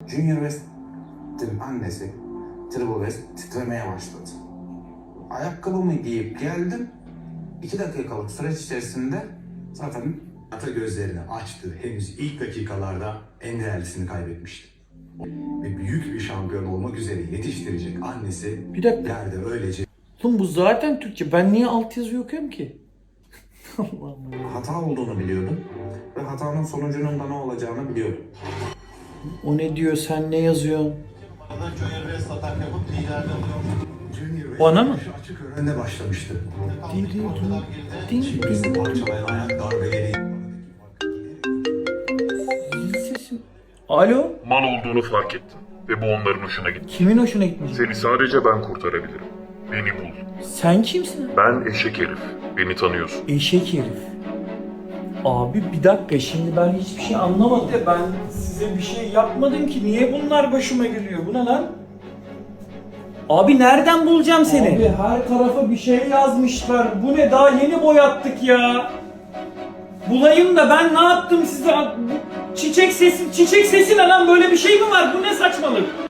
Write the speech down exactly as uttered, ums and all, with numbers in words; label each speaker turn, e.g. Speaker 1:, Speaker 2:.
Speaker 1: Junior West'in annesi Triple West titremeye başladı. Ayakkabımı giyip geldim. İki dakikalık süreç içerisinde zaten ata gözlerini açtı. Henüz ilk dakikalarda en değerlisini kaybetmişti. Ve büyük bir şampiyon olmak üzere yetiştirecek annesi
Speaker 2: Bir dakika.
Speaker 1: yerde öylece
Speaker 2: Oğlum bu zaten Türkçe. Ben niye altyazı okuyorum ki? Allah'ım.
Speaker 1: hata olduğunu biliyordum. Ve hatanın sonucunun da ne olacağını biliyordum.
Speaker 2: O ne diyor? Sen ne yazıyorsun?
Speaker 3: Junior West atak yapıp liderliği alıyor.
Speaker 1: Junior West
Speaker 2: Bana mı?
Speaker 1: açık önde başlamıştı.
Speaker 2: Di, di, di, di, di.
Speaker 1: Şimdi parçalayan ayak darbeleri.
Speaker 2: Zil sesim. Alo?
Speaker 4: Mal olduğunu fark ettim ve bu onların hoşuna gitti.
Speaker 2: Kimin hoşuna gitmiş?
Speaker 4: Seni sadece ben kurtarabilirim. Beni bul.
Speaker 2: Sen kimsin?
Speaker 4: Ben eşek herif. Beni tanıyorsun.
Speaker 2: Eşek herif. Abi bir dakika, şimdi ben hiçbir şey anlamadım. Ben size bir şey yapmadım ki. Niye bunlar başıma geliyor? Bu ne lan? Abi nereden bulacağım seni? Abi her tarafa bir şey yazmışlar. Bu ne, daha yeni boyattık ya. Bulayım da ben ne yaptım size? Bu çiçek sesi, çiçek sesi ne lan? Böyle bir şey mi var? Bu ne saçmalık?